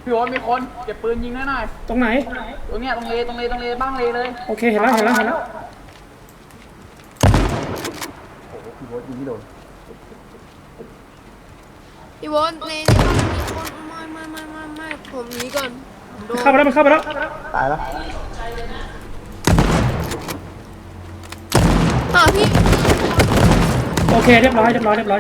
พี่โอ๊ตมีคนเก็บปืนยิงหน่อยตรงไหนตรงเนี้ยตรงเลบ้างเลยโอเคเห็นแล้วโอ้โหพี่โอ๊ตยิงไม่โดนพี่โบนในบ้านมีคนไม่ผมหนีก่อนโดนเข้าไปแล้วมันเข้าไปแล้วตายแล้วพี่โอเคเรียบร้อย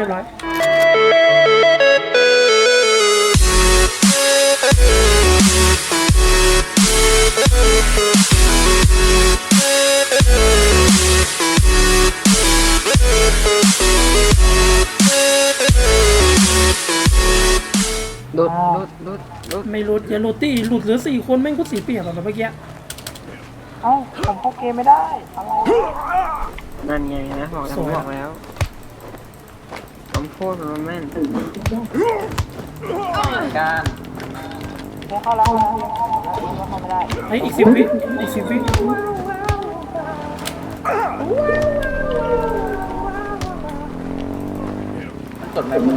รุดไม่หลุดอย่าหลุดตี้หลุดเหลือ4 คนแม่งก็เสียเปรียบแบบเมื่อกี้เอ้าผมเข้าเกมไม่ได้อะไรนั่นไงนะบอกแล้วผมพูดมันแม่นการเข้าแล้วเข้าไม่ได้ไอ้อีก10 วิกดไม่ได้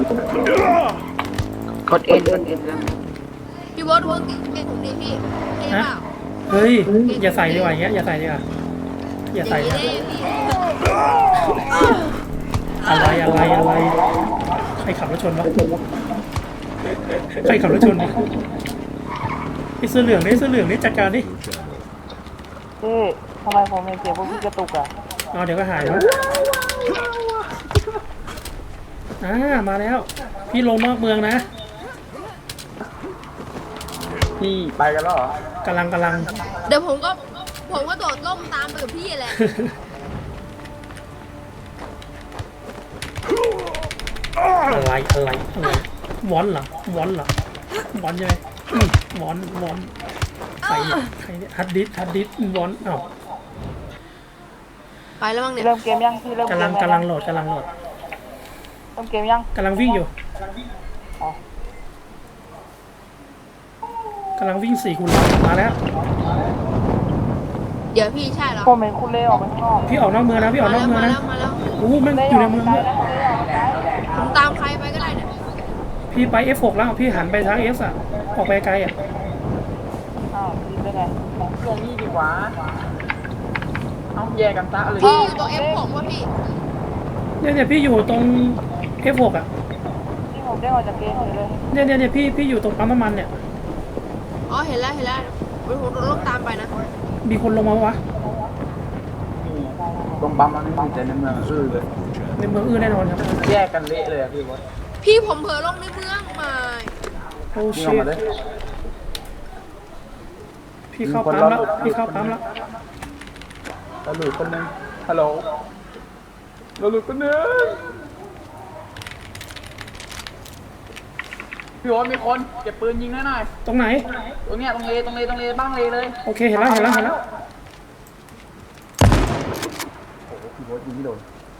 กดเอ็นแล้วพี่โบนวงเก่งผมดีพี่เก่งเปล่าเฮ้ยอย่าใส่ดีกว่าอย่างเงี้ยอย่าใส่ดีกว่าอย่าใส่ได้พี่อะไรใครขับรถชนวะไอ้เสื้อเหลืองนี่จัดการดิทำไมผมเสียพวกพี่กระตุกอ่ะเดี๋ยวก็หายแล้วมาแล้วพี่ลงนอกเมืองนะพี่ไปกันแล้วเหรอกำลังเดี๋ยวผมก็โดดล่มตามไปกับพี่แหละอะไรวอนเหรอวอนใช่ไหมวอนใครเนี่ยฮัดดิสวอนไปแล้วมั้งเนี่ยเริ่มเกมยังพี่เริ่มกำลังโหลดเริ่มเกมยังกำลังวิ่งอยู่กำลังวิ่ง4 คูณมาแล้วเดี๋ยวพี่ใช่เหรอผมเห็นคุณเล่ออกไปข้างนอกพี่ออกนอกเมืองนะมาแล้วโอ้มันอยู่ในเมืองผมตามใครไปก็ได้เนี่ยพี่ไป F6 แล้วพี่หันไปทาง S อ่ะออกไปไกลอ่ะยิงได้ไงเพื่อนนี่ดีกว่าเอาแยกกันซะเลยพี่อยู่ตรง F6 วะพี่เนี่ยพี่อยู่ตรง F6 อ่ะที่ผมได้ออกจากเกมเลยเนี่ยพี่อยู่ตรงปั๊มน้ำมันเนี่ยอ๋อเห็นแล้วผมโดนล่มตามไปนะมีคนลงมาวะตรงปั๊มมันไม่มีแต่ในเมืองเลยในเมืองแน่นอนครับแยกกันเละเลยพี่บอสพี่ผมเผลอลงในเมืองมาโอ้ชิตพี่เข้าปั๊มแล้วเราหลุดคนนึงฮัลโหลเราหลุดคนนึงพี่โอ๊ตมีคนเก็บปืนยิงหน่อยตรงไหนตรงเนี้ยตรงเลบ้างเลยโอเคเห็นแล้วโอ้โหพี่โอ๊ตยิงไม่โดน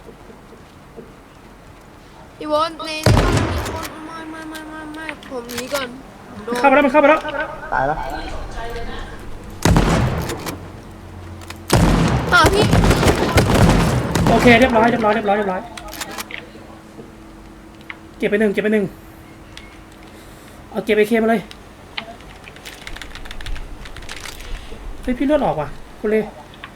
พี่โบนในบ้านมีคนไม่ผมหนีก่อนโดนเข้าไปแล้วตายแล้วพี่โอเคเรียบร้อยเก็บไปหนึ่งเอาเก็บไปเคมาเลยเฮ้ยพี่เลือดออกว่ะคุณเล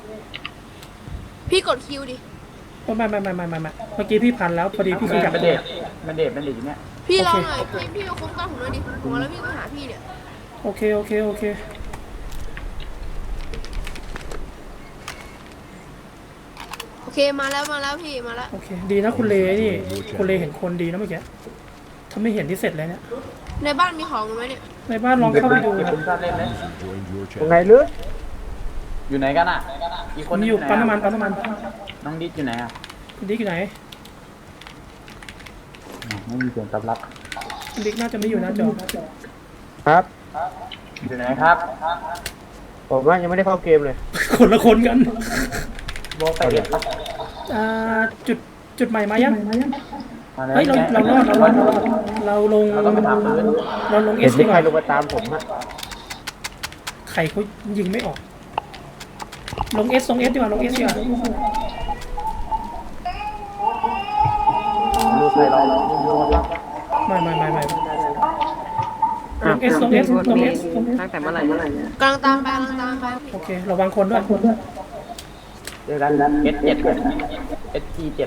พี่กดคิวดิไม่เมื่อกี้พี่พันแล้วพอดีพี่ขยับตัวมันเด็ดอยู่เนี่ยพี่ลองหน่อยพี่มาคุ้มกันผมหน่อยดิผมแล้วพี่ไปหาพี่เนี่ยโอเคมาแล้วพี่มาแล้วโอเคดีนะคุณเลนี่คุณเลเห็นคนดีนะเมื่อกี้ถ้าไม่เห็นที่เสร็จเลยเนี่ยในบ้านมีของไหมเนี่ยในบ้านลองเข้าไปดูครับไงลึกอยู่ไหนกันอ่ะอีกคนอยู่ปั๊มน้ำมันน้องดิ๊กอยู่ไหนอ่ะดิ๊กอยู่ไหนไม่มีเสียงตอบรับดิ๊กน่าจะไม่อยู่นะจอครับอยู่ไหนครับผมว่ายังไม่ได้เข้าเกมเลยคนละคนกันโบไปเด็ดจุดใหม่มายังเฮ้ยเราลงเอสดีกว่าใครลงมาตามผมฮะใครเขายิงไม่ออกลงเอสดีกว่าดูใครเราไม่ลง S ลง S ลง S ตั้งแต่เมื่อไหร่เนี่ยกำลังตามไปกำลังตามไปโอเคระวังคนด้วยเจอกัน S7 SG7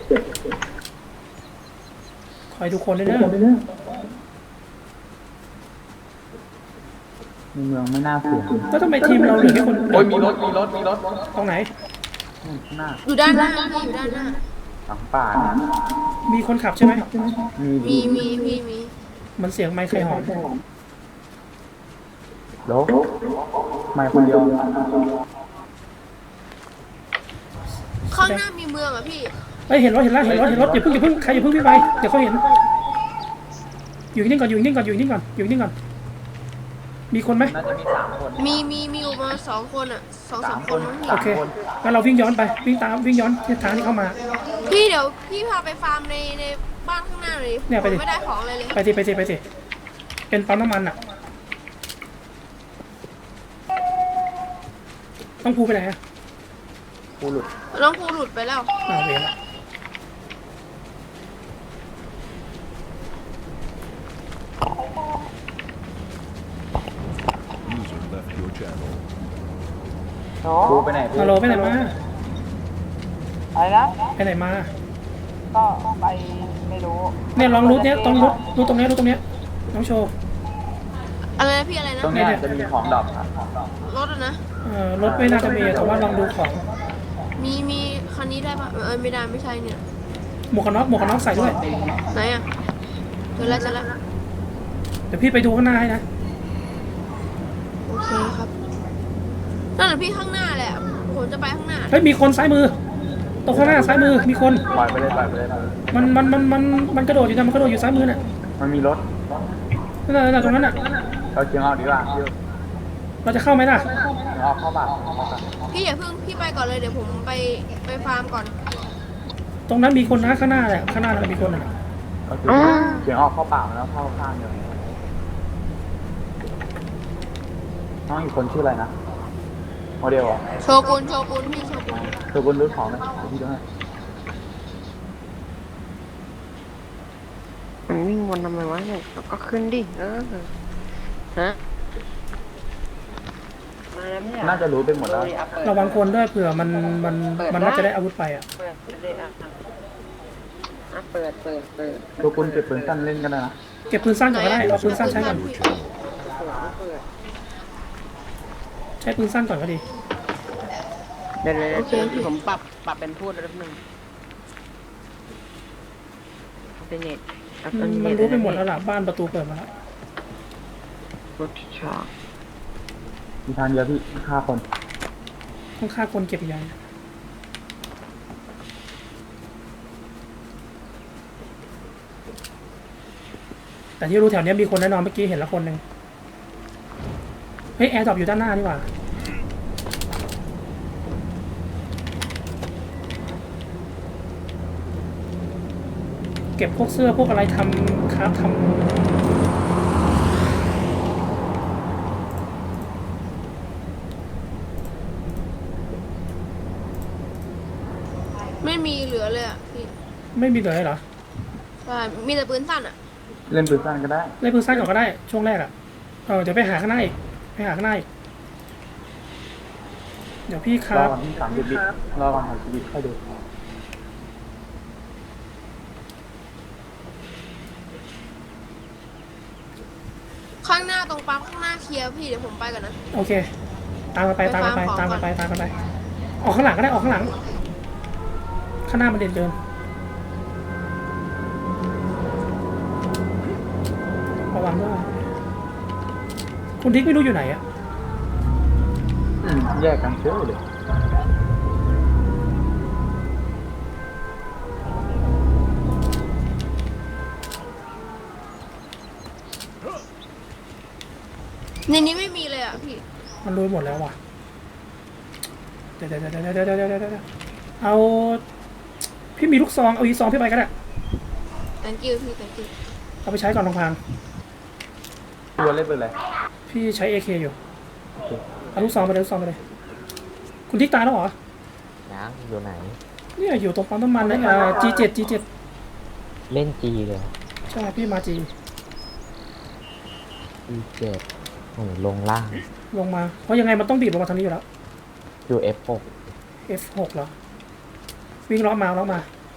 คอยดูคนด้วยนะในเมืองไม่น่าเสี่ยงแล้วทำไมทีมเราเหลือแค่คนโอ้ยมีรถตรงไหนข้างหน้าอยู่ด้านหน้าพี่อยู่ด้านหน้าหลังป่านะมีคนขับใช่ไหมมีพี่มีมันเสียงไมค์ใครหอนโลไม่คนเดียวข้างหน้ามีเมืองอ่ะพี่เฮ้ยเห็นรถอย่าเพิ่งใครอย่าเพิ่งพี่ไปเดี๋ยวเขาเห็นอยู่นิ่งก่อนมีคนไหมน่าจะมี3 คนมีอยู่ประมาณ2 คนอ่ะ2-3 คนมั้งโอเคงั้นเราวิ่งย้อนไปวิ่งย้อนที่ทางที่เข้ามาพี่เดี๋ยวพี่พาไปฟาร์มในบ้านข้างหน้าเลยเนี่ยไปดิผมไม่ได้ของอะไรเลยไปสิเป็นปั๊มน้ำมันอ่ะต้องพูไปไหนอ่ะกูหลุดน้องครูหลุดไปแล้วเวรละกูไปไหนฮัลโหลไปไหนมาอะไรนะไปไหนมาก็ไปไม่รู้เนี่ยลองรูทเนี้ยต้องรูทตรงเนี้ยน้องโชว์อะไรนะพี่อะไรนะตรงนี้จะมีของดอกครับรถอะนะรถไม่น่าจะมีแต่ว่าลองดูของมีคันนี้ได้ปะไม่ได้ไม่ใช่เนี่ยหมวกกันน็อกใส่ด้วยไหนอ่ะเจอแล้วเดี๋ยวพี่ไปดูข้างหน้าให้นะโอเคครับนั่นแหละพี่ข้างหน้าแหละผมจะไปข้างหน้าเฮ้ยมีคนซ้ายมือตรงข้างหน้าซ้ายมือมีคนปล่อยไปเลยมันกระโดดอยู่นะมันกระโดดอยู่ซ้ายมือน่ะมันมีรถนั่นตรงนั้นน่ะเราเชียงเอาดีกว่าเราจะเข้าไหมล่ะออกเข้าป่าพี่อย่าเพิ่งพี่ไปก่อนเลยเดี๋ยวผมไปฟาร์มก่อนตรงนั้นมีคนนะข้างหน้าแหละข้างหน้ามีคนน่ะก็คือเชียงออกเข้าป่าแล้วเข้าข้างเดียวน้องอีกคนชื่ออะไรนะโมเดลอ่ะโชกุนพี่โชกุนตัวบนรุ่นของนะพี่ด้วยมันวิ่งวนทำไมวะเนี่ยก็ขึ้นดิฮะมาแล้วไม่อยากน่าจะรู้ไปหมดแล้วระวังคนด้วยเผื่อมันน่าจะได้อาวุธไปอ่ะเปิดเลยเปิดตัวคุณเก็บปืนสั้นเล่นกันนะเก็บปืนสั้นก่อนก็ได้เอาปืนสั้นใช้ก่อนใช้ปืนสั้นก่อนก็ดีเดี๋ยวผมปรับเป็นพูดแล้วนึงเป็นเน็ตมันรู้ไปหมดแล้วล่ะบ้านประตูเปิดมาแล้วรถชามีทางเดียวที่ฆ่าคนต้องฆ่าคนเก็บยาแต่ที่รู้แถวนี้มีคนแน่นอนเมื่อกี้เห็นแล้วคนหนึ่งเฮ้ยแอร์ดรอปอยู่ด้านหน้านี่หว่าเก็บพวกเสื้อพวกอะไรทำครับทำไม่มีเหลือเลยอ่ะพี่ไม่มีเลยเหรอใช่มีแต่ปืนสั้นอ่ะเล่นปืนสั้นก็ได้เล่นปืนสั้นก่อนก็ได้ช่วงแรกอ่ะเดี๋ยวไปหาข้างหน้าอีกเดี๋ยวพี่ครรัอบ วันที่30 วิรอวัน30 วิค่อยดูข้างหน้าตรงปั๊มข้างหน้าเคลียร์พี่เดี๋ยวผมไปก่อนนะโอเคตามกันไปออกข้างหลังก็ได้ออกข้างหลังข้างหน้ามันเด่นเกินระวังด้วยคุณทิกไม่รู้อยู่ไหนอะแยกกันเชื่อเลยในนี้ไม่มีเลยอ่ะพี่มันรู้หมดแล้วว่ะเดี๋ยวเอาพี่มีลูกซองเอาอีซองพี่ไปก็ได้ thank you พี่ thank you เอาไปใช้ก่อนลงพางตัวเล่นปืนอะไรพี่ใช้ AK อยู่โอเคเอาลูกซองไปเลยคุณทิกตายแล้วเหรอยังอยู่ไหนเนี่ยอยู่ตรงปั๊มน้ำมันนะG7 เล่นจีเลยเหรอใช่พี่มา G E7โอ้ลงล่างลงมา เพราะยังไงมันต้องบีบลงมาทางนี้อยู่แล้วอยู่ F6 F6 เหรอ วิ่งล้อมาล้อมา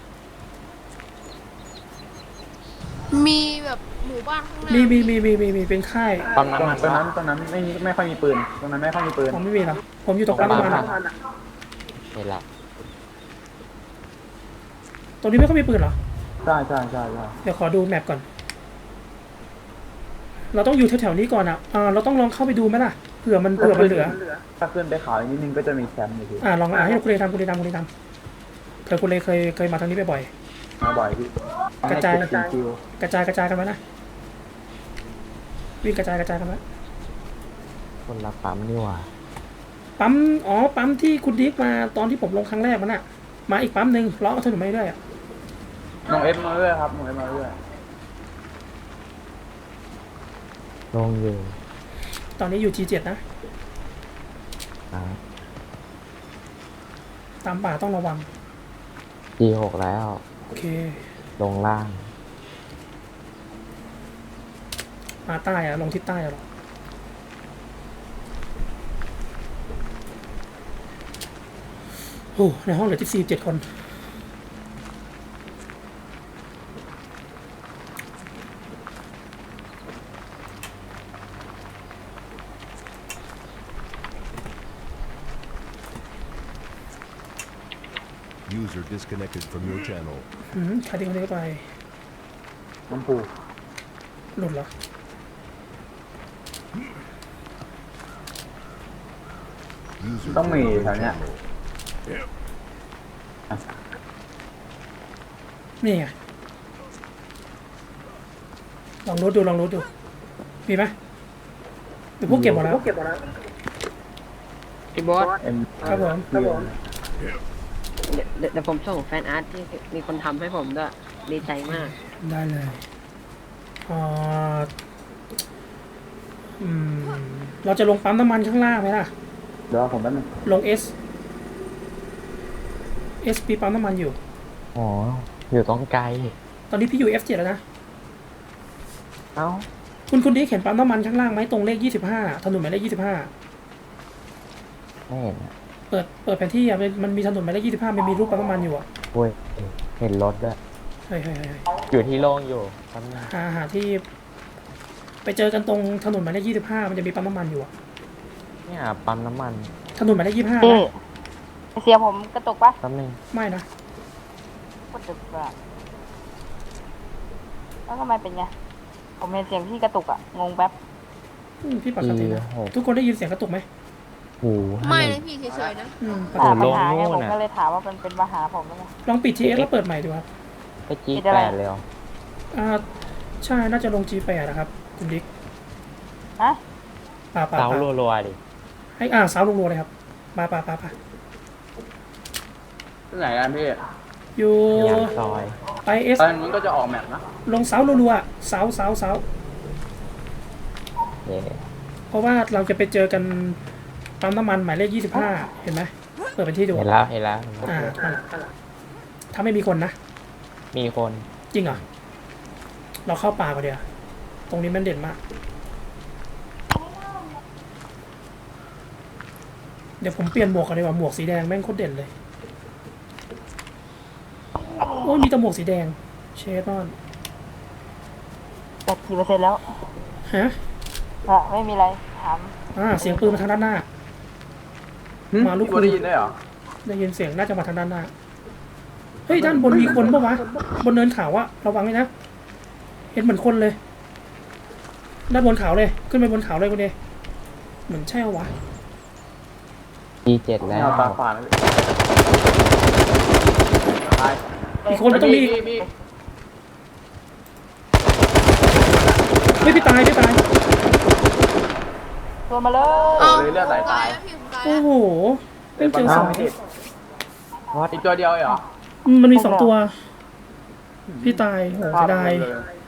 มีแบบหมู่บ้านข้างหน้ามีเป็นค่ายปั๊มน้ำมันตรงนั้นไม่ค่อยมีปืนตรงนั้นไม่ค่อยมีปืนผมไม่มีหรอกผมอยู่ตรงปั๊มน้ำมันอะเห็นละตรงนี้ไม่ค่อยมีปืนเหรอใช่เดี๋ยวขอดูแมปก่อน เราต้องอยู่แถวๆนี้ก่อนอ่ะเราต้องลองเข้าไปดูไหมล่ะ เผื่อมันเหลือถ้าขึ้นไปเขาอีกนิดนึงก็จะมีแคมป์อยู่พี่ลองให้คุณเลทำเผื่อคุณเลเคยมาทางนี้บ่อยมาบ่อยพี่กระจายให้คิดคิวๆกระจายกันไว้นะ วิ่งกระจายกันไว้คนละปั๊มนี่หว่าปั๊มที่คุณดิ๊กมาตอนที่ผมลงครั้งแรกมันอ่ะ มาอีกปั๊มหนึ่งล้อถนนไม่ด้วยอ่ะน้องเอฟมาเรื่อยครับน้องเอฟมาเรื่อยลงอยู่ตอนนี้อยู่ G7 นะอ่าตามป่าต้องระวัง G6 แล้วโอเคลงล่างมาใต้อะลงทิศใต้อะหรอโอ้ในห้องเหลือ47 คน User disconnected from your channel. ใครทิ้งคนนี้ไปน้ำปูหลุดเหรอ User ต้องมี joined แถ your วเนี้ย channel. นี่ไง ลองรูดดู มีไหมหรือพวกเก็บหมดแล้วพี่บอสเอ็มครับผมเดี๋ยวผมส่งแฟนอาร์ตที่มีคนทำให้ผมด้วยดีใจมากได้เลยเราจะลงปั๊มน้ำมันข้างล่างไหมล่ะเดี๋ยวผมแป๊บนึงลง S ปีปั๊มน้ำมันอยู่อ๋อ อยู่ตรงไกลตอนนี้พี่อยู่ F7 แล้วนะเอ้าคุณดิ๊กเห็นปั๊มน้ำมันข้างล่างไหมตรงเลข25ถนนหมายเลข25 ไม่เห็นอะเปิดแผนที่อ่ะมันมีถนนหมายเลข25มันมีรูปปั๊มน้ำมันอยู่อ่ะโอ้ยเห็นรถด้วยเฮ้ยอยู่ที่โล่งอยู่ปั๊มน้หาที่ไปเจอกันตรงถนนหมายเลข25มันจะมีปั๊มน้ำมันอยู่อ่ะำเนี่ยปั๊มน้ำมันถนนหมายเลข25 พี่นะเสียผมกระตุกปะแป๊บนึงไม่นะกระตุกอะแล้วทำไมเป็นไง ผมเห็นเสียงพี่กระตุกอะงงแป๊บพี่ปกตินะ E6 ทุกคนได้ยินเสียงกระตุกไหมหูไม่นะพี่เฉยๆนะปกถาติมปัญหาไงโอ้โหผมน่ะก็เลยถามว่ามันเป็นปัญหาผมหรือไงลองปิด TS แล้วเปิดใหม่ดูครับไปจีคิดอะไรแปดเลยเหรอใช่น่าจะลง G8 นะครับคุณดิ๊กฮะป่าเสารัวๆดิให้สาวลงๆเลยครับป่าที่ไหนกันพี่อยู่ยางซอยไป S ตอนนี้ก็จะออกแมปนะลงเสารัวๆเสาเย่เพราะว่าเราจะไปเจอกันปั๊มน้ำมันหมายเลข25เห็นไหมเปิดเป็นที่ดูเห็นแล้วนั่นแหละถ้าไม่มีคนนะมีคนจริงเหรอ เราเข้าป่าก่อนเดียวาตรงนี้มันเด่นมาก เดี๋ยวผมเปลี่ยนหมวกกันดีกว่าหมวกสีแดงแม่งโคตรเด่นเลย โอ้ยมีแต่หมวกสีแดง เชฟนอนแต่กี่เปอร์เซ็นต์แล้วฮะไม่มีอะไรถามเสียงปืนมาทางด้านหน้า มาลูกพี่ได้ยินได้เหรอได้ยินเสียงน่าจะมาทางด้านหน้า เฮ้ยด้านบนมีคนปะวะ บนเนินเขาอะระวังเลยนะ เห็นเหมือนคนเลย ด้านบนเขาเลย ขึ้นไปบนเขาเลยคุณเดเหมือนใช่เหรอวะ G7 ไม่แล้วเอาตาฝาดนะตายอีกคนมันต้องมีพี่เฮ้ยพี่ตายตัวมาเลยเอาเลยเลือดไหลตายแล้วพี่ผมตายโอ้แล้วโหเป็นเจอสองอีกตัวเดียวเหรอมันมี2 ตัว พี่ตายโหเสียดายเลย